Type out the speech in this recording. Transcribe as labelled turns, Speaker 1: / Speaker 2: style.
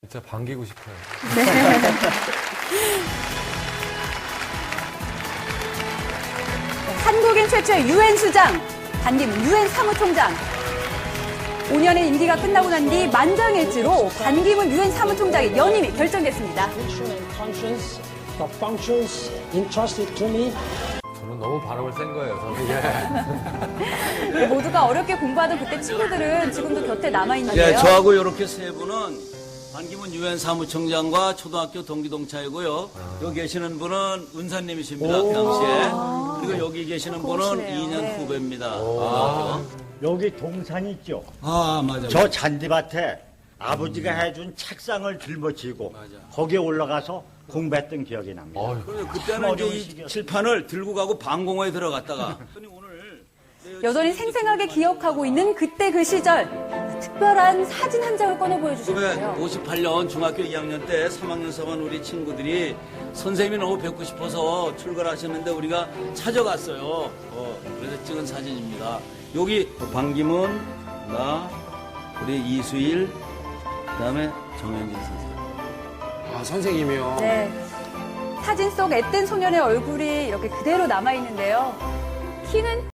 Speaker 1: 진짜 반기고 싶어요.
Speaker 2: 한국인 최초의 유엔 수장, 반기문 유엔 사무총장. 5년의 임기가 끝나고 난 뒤 만장일치로 반기문 유엔 사무총장의 연임이 결정됐습니다.
Speaker 1: 저는 너무 발음을 센 거예요. 저는
Speaker 2: 네, 모두가 어렵게 공부하던 그때 친구들은 지금도 곁에 남아있는데요.
Speaker 3: 네, 저하고 이렇게 세 분은 반기문 유엔 사무총장과 초등학교 동기동창이고요. 여기 계시는 분은 은사님이십니다. 그 당시에. 그리고 여기 계시는 분은
Speaker 2: 고우시네요.
Speaker 3: 2년
Speaker 2: 네.
Speaker 3: 후배입니다.
Speaker 4: 여기 동산 있죠?
Speaker 3: 맞아요.
Speaker 4: 저 잔디밭에 아버지가 해준 책상을 짊어지고 거기에 올라가서 공부했던 기억이 납니다.
Speaker 3: 그래서 그때는 이제 이 칠판을 들고 가고 방공호에 들어갔다가
Speaker 2: 여전히 생생하게 기억하고 있는 그때 그 시절. 특별한 사진 한 장을 꺼내 보여주셨어요.
Speaker 3: 58년 중학교 2학년 때 3학년 3반 우리 친구들이 선생님이 너무 뵙고 싶어서 출근하셨는데 우리가 찾아갔어요. 그래서 찍은 사진입니다. 여기 반기문, 나, 우리 이수일, 그다음에 정현진 선생님.
Speaker 5: 아, 선생님이요?
Speaker 2: 네. 사진 속 앳된 소년의 얼굴이 이렇게 그대로 남아있는데요. 키는